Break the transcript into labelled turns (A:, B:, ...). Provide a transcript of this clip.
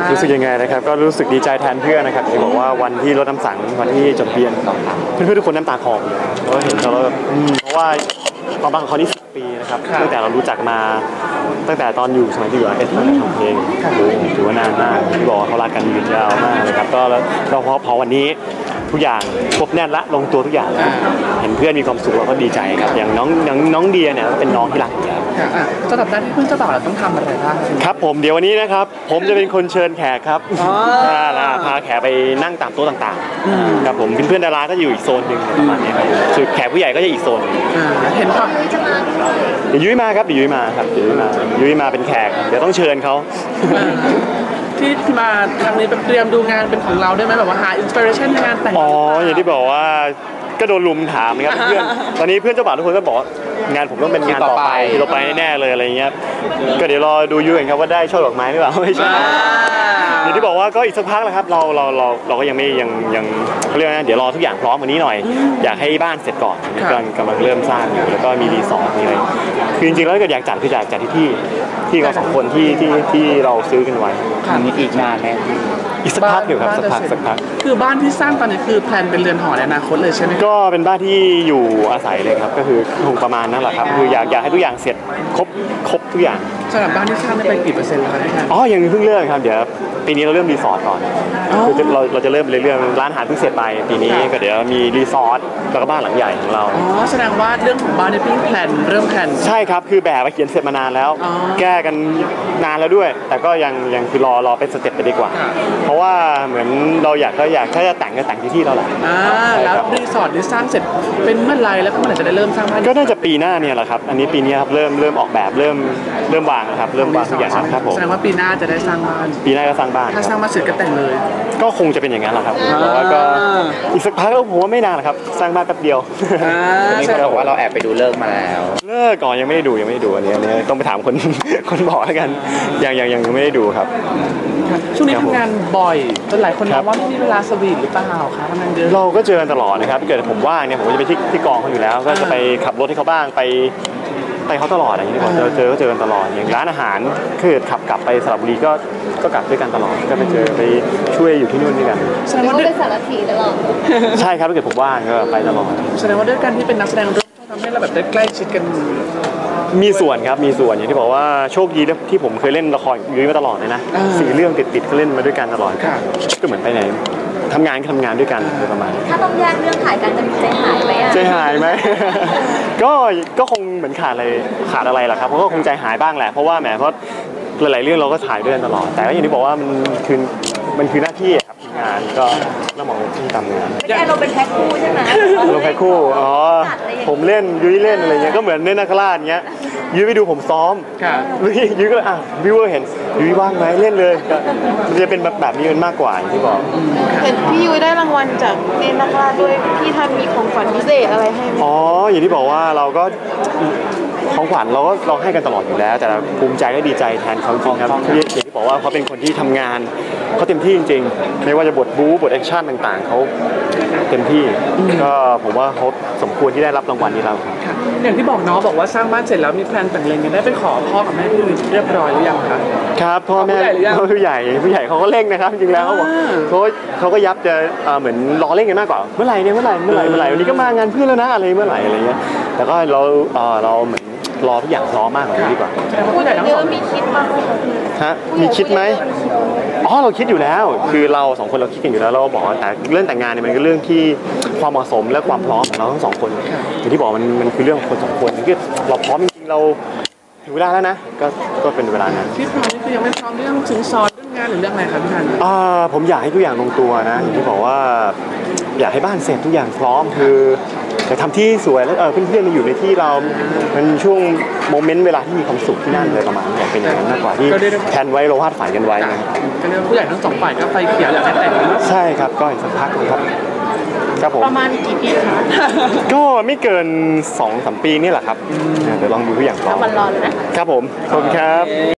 A: รู้สึกยังไงนะครับก็รู้สึกดีใจแทนเพื่อนนะครับที่บอกว่าวันที่รดน้ำสังวันที่จดทะเบียนเพื่อนๆทุกคนน้ำตาคลอเลยเพราะเห็นเขาแล้วเพราะว่าความรักของเขานี่10 ปีนะครับตั้งแต่เรารู้จักมาตั้งแต่ตอนอยู่สมัยที่อยู่เอสตั้งแต่ทำเพลงถือว่านานมากที่บอกเขารักกันยืนยาวมากเลยครับก็แล้วพอวันนี้ทุกอย่างครบแน่นละลงตัวทุกอย่างแล้วเห็นเพื่อนมีความสุขเราก็ดีใจครับอย่างน้องเดียเนี่ยเป็นน้องที่รักอยู่แล้ว
B: สำหรับหน้าที่เพื่อนเจ้าบ่าวเราต้องทำอะไรบ้าง
A: ครับผมเดี๋ยววันนี้นะครับผมจะเป็นคนเชิญแขกครับพาแขกไปนั่งตามโต๊ะต่างๆครับผมเพื่อนดาราก็อยู่อีกโซนหนึ่งประมาณนี้ครับส่วนแขกผู้ใหญ่ก็จะอีกโซน
B: เห็นป่ะ
A: เดี๋ยวยุ้ยมาครับเดี๋ยวยุ้ยมาเป็นแขกเดี๋ยวต้องเชิญเขา
B: ที่มาครั้งนี้เตรียมดูงานเป็นของเราได้ไหมแบบว่าหาอินสปิเรชันในงานแต่ง
A: อย่างที่บอกว่าก็โดนลุมถามนะครับเพื่อนตอนนี้เพื่อนเจ้าบ่าวทุกคนก็บอกงานผมต้องเป็นงานต่อไปที่เราไปแน่เลยอะไรเงี้ยก็เดี๋ยวรอดูยูเองครับว่าได้ช่อดอกไม้หรือเปล่าไม่ใช่อย่างที่บอกว่าก็อีกสักพักแล้วครับเราก็ยังไม่ยังเรื่องนะเดี๋ยวรอทุกอย่างพร้อมวันนี้หน่อยอยากให้บ้านเสร็จก่อนกำลังเริ่มสร้างอยู่แล้วก็มีรีสอร์ทมีอะไรคือจริงๆแล้วก็อยากจัดคืออยากจัดที่เรา2 คนที่เราซื้อกันไว้
C: อีกนานไหม
A: อีกสักพักอยู่ครับสักพัก
B: คือบ้านที่สร้างตอนนี้คือแพลนเป็นเรือนหอในอนาคตเลยใช่ไหม
A: ก็เป็นบ้านที่อยู่อาศัยเลยครับก็คือคงประมาณนั้นแหละครับคืออยากให้ทุกอย่างเสร็จครบทุกอย่าง
B: สำหรับบ้านที่สร้างได้ไปกี่เปอร์เซ็นต์แล้วครับ
A: ยังเพิ่งเริ่มครับเดี๋ยวปีนี้เราเริ่มรีสอร์ทก่อนคือเราจะเริ่มเรื่องร้านอาหารเพิ่งเสร็จไปปีนี้ก็เดี๋ยวมีรีสอร์ทแล้วก็บ้านหลังใหญ่ของเรา
B: แสดงว่าเรื่องของบ้านในเพิ่งเริ่มแพลน
A: ใช่ครับคือแบบเขียนเสร็จมานานแล้วแก้กันนานแล้วด้วยแต่ก็ยังคือรอเป็นสเต็ปไปดีกว่าเพราะว่าเหมือนเราอยากถ้าจะแต่งก็แต่งที่เราแหละ
B: แล้วรีสอร์ทที่สร้างเสร็จเป็นเมื่อไรแล้วก็เมื่อไหร่จะได้เริ่มสร้างบ้าน
A: ก็น่าจะปีหน้าเนี่ยแหละครับอันนี้ปีนี้ครับเริ่มออกแบบเริ่มวางครับเริ่มวางทุกอย่างครับผม
B: แสดงว่าปีหน้าจะได้สร้างบ้าน
A: ปีหน้าก็สร้างบ้าน
B: ถ้าสร้างบ้านเสร็จก็แต่งเลย
A: ก็คงจะเป็นอย่างนั้นแหละครับเพราะว่าก็อีกสักพักผมว่าไม่นานหรอกครับสร้างบ้านแป๊บเดียว
C: นี่เขาบอกว่าเราแอบไปดูเลิกมาแล้ว
A: เลิกก่อนยังไม่ได้ดูอันนี้ต้องไปถามคนบอกแล้วกันยังไม่ได้ดูครับ
B: ช่วงนี้ทำงานบ่อยจนหลายคนมองว่าไม่มีเวลาสวีทหรือเปล่าคะทำงานเยอะ
A: เราก็เจอกันตลอดนะครับเกิดผมว่างเนี่ยผมจะไปที่กองเขาอยู่แล้วก็จะไปขับรถให้เขาบ้างไปเขาตลอดอย่างนี้ก่อนเจอกันตลอดอย่างร้านอาหารคือขับกลับไปสระบุรีก็กลับด้วยกันตลอดก็ไปช่วยอยู่ที่นู่นด้วยกัน
D: แสดงว่าเป็นสารถีตลอด
A: ใช่ครับถ้าเกิดผมว่างก็ไปตลอด
B: แสดงว่าด้วยกันที่เป็นนักแสดงทำให้เราแบบได้ใกล้ชิดกัน
A: มีส่วนครับมีส่วนอย่างที่บอกว่าโชคดีที่ผมเคยเล่นละครยุ้ยมาตลอดเลยนะ4 เรื่องติดก็เล่นมาด้วยกันตลอดก็เหมือนไปไหนทำงานก็ทำงานด้วยกันประมาณ
D: ถ้าต้องแยกเรื่องถ่ายกันจะใจหายไหม
A: ใจหายไหม ก็คงเหมือนขาดอะไรล่ะครับเพราะก็คงใจหายบ้างแหละเพราะว่าเพราะหลายๆเรื่องเราก็ถ่ายด้วยกันตลอดแต่ก็อย่างที่บอกว่ามันคือหน้าที่ครับงานก็ต้องมองที่ทำงาน
D: ไม่ใช่เราเป็นแพ็คคู่ใช่ไหม
A: เราแพ็คคู่ผมเล่นยุ้ยเล่นอะไรเงี้ยก็เหมือนเล่นนักล่าเงี้ยยุ้ยไปดูผมซ้อมยุ้ยก็วิวเวอร์เห็นยุ้ยว่างไหมเล่นเลยมันจะเป็นแบบนี้มันมากกว่าอย่างที่บอก
D: เห็นพี่ยุ้ยได้รางวัลจากเล่นนักล่าด้วยพี่ท่านมีของขวัญพิเศษอะไรให้ไหม
A: อย่างที่บอกว่าเราก็ของขวัญเราให้กันตลอดอยู่แล้วแต่ภูมิใจและดีใจแทนเขาจริงครับอย่างที่บอกว่าเขาเป็นคนที่ทำงานเขาเต็มที่จริงๆไม่ว่าจะบทบู๊บทแอคชั่นต่างๆเขาเต็มที่ก็ผมว่าเขาสมควรที่ได้รับรางวัลนี้แล้ว
B: อย่างที่บอกบอกว่าสร้างบ้านเสร็จแล้วมีแพลนแต่งเล็งกันได้ไปขอพ่อกับแม่พี่ยุ้ยเรียบร้อยหรือยังคะ
A: ครับพ่อแม่ผู้ใหญ่เขาก็เร่งนะครับจริงแล้วเขาบอกเขาก็ยับจะเหมือนรอเร่งกันมากกว่าเมื่อไหร่วันนี้ก็มางานเพื่อนแล้วนะอะไรเมื่อไหร่อะไรเงี้ยแต่ก็เราเหมือนรอทุกอย่างพร้อมมากกว่านี้ดีกว่า
D: ผู้ใหญ่ทั้งสองมีคิดบ้าง
A: มีคิดไหมเราคิดอยู่แล้วคือเรา2 คนเราคิดกันอยู่แล้วเราบอกแต่เรื่องแต่งงานเนี่ยมันก็เรื่องที่ความเหมาะสมและความพร้อมของเราทั้ง2 คนอย่างที่บอกมันคือเรื่องของคน2 คนคือเราพร้อมจริงๆเราถึงเวลาแล้วนะก็เป็นเวลานั้น
B: ที่พร้อมนี่คือยังไม่พร้อมเรื่องสินสอดเรื่องงานหรือเรื่องอะไรครับพี่ธัน
A: ผมอยากให้ทุกอย่างลงตัวนะอย่างที่บอกว่าอยากให้บ้านเสร็จทุกอย่างพร้อมคืออยากทำที่สวยแล้วเพื่อนๆมาอยู่ในที่เรามันช่วงโมเมนต์เวลาที่มีความสุขที่นั่นเลยประมาณอยากเป็นอย่างนั้นมากกว่าที่แทนไว้เราวาดฝันกันไว้
B: ก็เรียกผู้ใหญ่ทั้ง2 ฝ่ายก็ไฟเขียวอยากให้แต่ง
A: ใช่ครับก็อีกสักพักครับผม
D: ประมาณกี่ปีคะ
A: ก็ไม่เกิน 2-3 ปีนี่แหละครับเดี๋ยวลองดูทุกอย่างก่อน
D: วันรอเลยนะครับ
A: ผมขอบคุณครับ